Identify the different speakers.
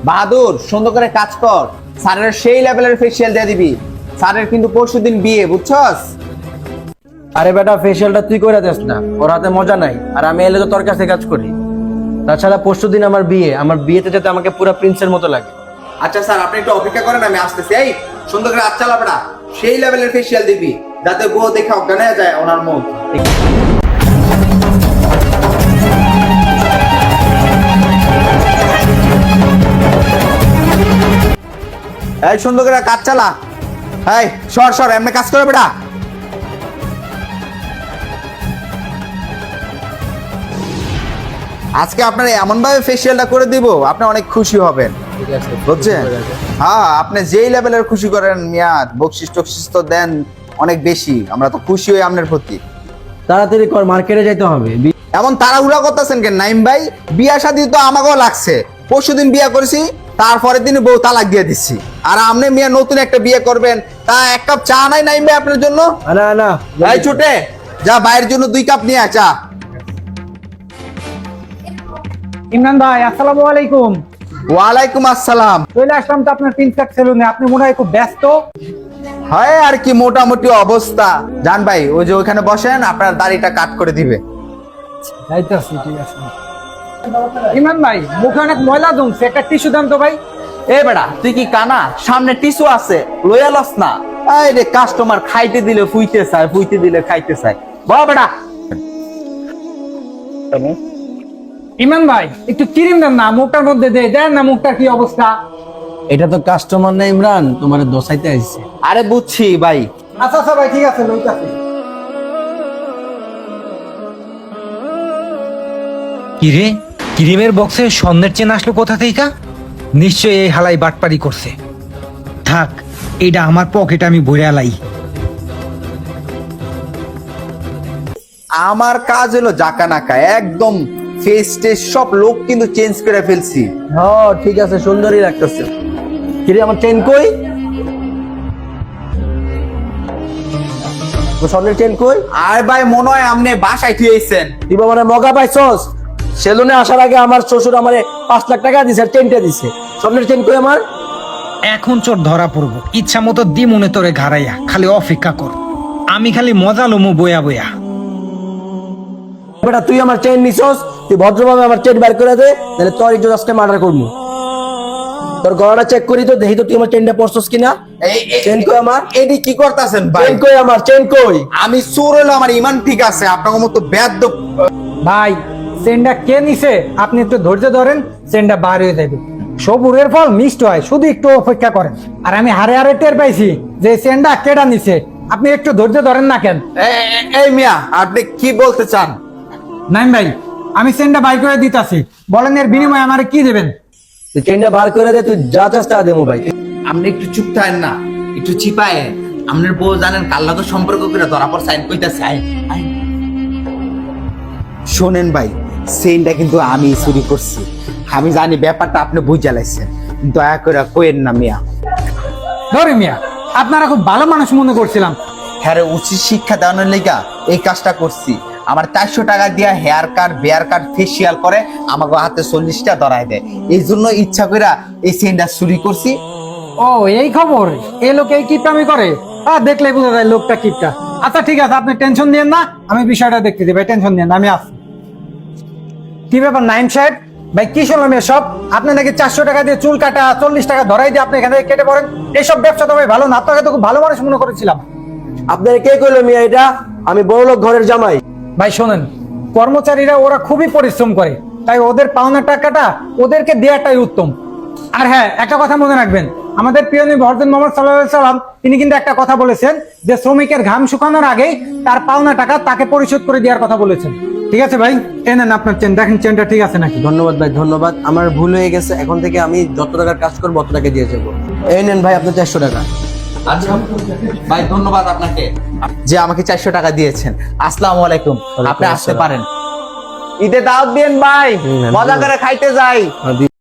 Speaker 1: বাহাদুর সুন্দর করে কাজ কর, স্যারের সেই লেভেলের ফেসিয়াল দিয়ে দিবি। স্যারের কিন্তু পরশুদিন বিয়ে, বুঝছস?
Speaker 2: আরে বেটা, ফেসিয়ালটা তুই করে দিস না, ওর হাতে মজা নাই। আর আমি এলে তো তোর কাছে কাজ করি। তাছাড়া পরশুদিন আমার বিয়ে, আমার বিয়েতে যাতে আমাকে পুরো প্রিন্সের মতো লাগে।
Speaker 1: আচ্ছা স্যার, আপনি একটু অপেক্ষা করেন, আমি আসতেছি। এই সুন্দর করে হাত চালাবড়া, সেই লেভেলের ফেসিয়াল দিবি যাতে বউ দেখে অজ্ঞান হয়ে যায় ওনার মুখ। এই সুন্দর করে কাজ চালা। এই সর সর, এমনি কাজ করে বেটা। আজকে আপনার এমন ভাবে ফেসিয়ালটা করে দিব, আপনি অনেক খুশি হবেন,
Speaker 2: ঠিক আছে
Speaker 1: বুঝছেন? হ্যাঁ, আপনি যেই লেভেলের খুশি করেন মিয়া, বকশিস টকশিস তো দেন অনেক বেশি, আমরা তো খুশি হই আপনার প্রতি।
Speaker 2: তাড়াতাড়ি কর, মার্কেটে যাইতে হবে।
Speaker 1: এমন তাড়াহুড়া করতেছেন কেন নাইম ভাই? বিয়া শাদী তো আমাকেও লাগছে, পরশুদিন বিয়া করেছি, তারপরের দিন বউ তালাক দিয়ে দিচ্ছি, আর আপনি মিয়া নতুন একটা বিয়ে করবেন, তা এক কাপ চা নাই নাইম ভাই আপনার জন্য?
Speaker 2: না না,
Speaker 1: এই ছুটে যা, ভাইয়ের জন্য 2 কাপ নিয়ে চা।
Speaker 3: ইমরান ভাই, আসসালামু আলাইকুম।
Speaker 1: ওয়ালাইকুম আসসালাম।
Speaker 3: চলে আসলাম তো আপনার প্রিন্স কাট সেলুনে, আপনি মনে হয় খুব ব্যস্ত।
Speaker 1: হয় আর কি, মোটামুটি অবস্থা। জান ভাই, ওই যে ওখানে বসেন, আপনার দাড়িটা কাট করে দিবে।
Speaker 3: যাইতেছি, ঠিক আছে। ইমরান ভাই, মুখে অনেক ময়লা জমছে, একটা টিস্যু দেন তো ভাই।
Speaker 1: এ বেড়া, তুই কি কানা? সামনে টিস্যু আছে, লইয়া লস না। এই রে, কাস্টমার খাইতে দিলে ফুইতে চায়, ফুইতে দিলে খাইতে চায়। বাহ বেড়া।
Speaker 3: ইমরান ভাই, একটু ক্রিম দেন না, মুখটার মধ্যে দেন না, মুখটার কি অবস্থা?
Speaker 2: এটা তো কাস্টমার না ইমরান, তোমার দোসাইতে আসছে।
Speaker 1: আরে বুঝছি ভাই।
Speaker 3: আচ্ছা আচ্ছা ভাই, ঠিক আছে, লইতাছি।
Speaker 4: কিরে, ক্রিমের বক্সে স্বর্ণের চেন আসলো কোথা থেকে? নিশ্চয়ই এই হালাই বাটপারি করছে। থাক, এটা আমার পকেটে আমি ভরে আলাই।
Speaker 1: আমার কাজ হলো জাকা নাকা, একদম ফেস টেস সব লোক কিন্তু চেঞ্জ করে ফেলছি।
Speaker 2: হ্যাঁ ঠিক আছে, সুন্দরই লাগতেছে। কিরে, আমার চেন কই? স্বর্ণের চেন কই?
Speaker 1: আর ভাই মনে হয় আপনি বাসায় থুয়েছেন।
Speaker 2: তুই মানে মগা পাইছস? সেলুনে আসার আগে আমার শ্বশুর আমারে 5 লাখ টাকা দিছে, আর চেনটা দিছে। স্বর্ণের চেন কই আমার?
Speaker 4: এখন চোর ধরা পড়বো, ইচ্ছা মতো দি মনে তোরে ঘাড়াইয়া, খালি অপেক্ষা কর। আমি খালি মজা লমু বয়া বয়া।
Speaker 2: বেটা, তুই আমার চেন নিছস, তুই ভদ্রভাবে আমার চেন বের করে দে, তাহলে তোর ইজ্জত আজকে মার্ডার করবো। তোর গলাটা চেক করি তো, দেখি তো তুই আমার চেনটা পরছস কিনা। চেন কই আমার?
Speaker 1: এডি কি করতেছেন ভাই?
Speaker 2: চেন কই আমার? চেন কই?
Speaker 1: আমি চোর হলো, আমার ইমান ঠিক আছে, আপনার মতো বেয়াদব।
Speaker 3: ভাই, চেনটা কে নিছে আপনি একটু ধৈর্য ধরেন, চেনটা বার হয়ে যাবে। সবুরের ফল মিষ্ট হয়, শুধু একটু অপেক্ষা করেন। আর আমি হারে হারে টের পাইছি যে চেনটা কেডা নিছে, আপনি একটু ধৈর্য ধরেন না কেন?
Speaker 1: এই মিয়া, আপনি কি বলতে চান?
Speaker 3: নাইম ভাই, আমি চেনটা বাই করে দিতাছি, বলেন এর বিনিময়ে আমারে কি দেবেন?
Speaker 2: তুই চেনটা বার করে দে, তুই যা চাস তা দেবো ভাই।
Speaker 1: আপনি একটু চুপ থাকেন না, একটু চিপায়। আপনার বউ জানেন কাল্লা তো সম্পর্ক করে ধরা পর সাইন কইতাছে। শোনেন ভাই, সেইনটা কিন্তু আমি চুরি করছি, আমি জানি ব্যাপারটা আপনি বুঝে লাইছেন, দয়া করে কইেন না মিয়া।
Speaker 3: ধরে মিয়া, আপনারা খুব ভালো মানুষ মনে করছিলাম।
Speaker 1: হ্যাঁ, উচিত শিক্ষা দেওয়ানোর লেগা এই কাজটা করছি। আমার 400 টাকা দিয়া hair cut, beard cut, facial করে আমাকে হাতে 40টা ধরায় দেয়, এই জন্য ইচ্ছা করে এই সেইনটা চুরি করছি।
Speaker 3: ও, এই খবর? এই লোক এই কিপটামি করে? দেখলে বোঝা যায় লোকটা কিপটা। আচ্ছা ঠিক আছে, আপনি টেনশন দিয়েন না, আমি বিষয়টা দেখতে দিই ভাই, টেনশন দিয়েন না, আমি আসছি। কি ব্যাপার নাইম সাহেব? ভাই কি শুনলাম এসব? আপনি নাকি 400 টাকা দিয়ে চুল কাটা, 40 টাকা ধরাই দিয়ে আপনি এখানে কেটে পড়েন। এইসব ব্যবসা তো ভাই ভালো না, আপনাকে তো খুব ভালো মানুষ মনে করেছিলাম।
Speaker 2: আপনার কে কইলো মিয়া এটা? আমি বড়লোক ঘরের জামাই।
Speaker 3: ভাই শোনেন, কর্মচারীরা ওরা খুবই পরিশ্রম করে, তাই ওদের পাওনা টাকাটা ওদেরকে দেওয়াটাই উত্তম। আর হ্যাঁ, একটা কথা মনে রাখবেন, আমাদের প্রিয় নবী হযরত মুহাম্মদ সাল্লাল্লাহু আলাইহি সাল্লাম তিনি কিন্তু একটা কথা বলেছেন যে শ্রমিকের ঘাম শুকানোর আগেই তার পাওনা টাকা তাকে পরিশোধ করে দেওয়ার কথা বলেছেন। ঠিক আছে ভাই, এই নেন আপনার চেন, দেখেন চেনটা ঠিক আছে নাকি।
Speaker 2: ধন্যবাদ ভাই, ধন্যবাদ। আমার ভুল হয়ে গেছে, এখন থেকে আমি যত টাকার কাজ করবো অত টাকা দিয়ে যাবো। এই নেন ভাই আপনার 400 টাকা।
Speaker 1: আচ্ছা ভাই, ধন্যবাদ আপনাকে যে আমাকে 400 টাকা দিয়েছেন। আসসালামু আলাইকুম, আপনি আসতে পারেন। ঈদে দাওয়াত দিন ভাই, মজা করে খাইতে যাই।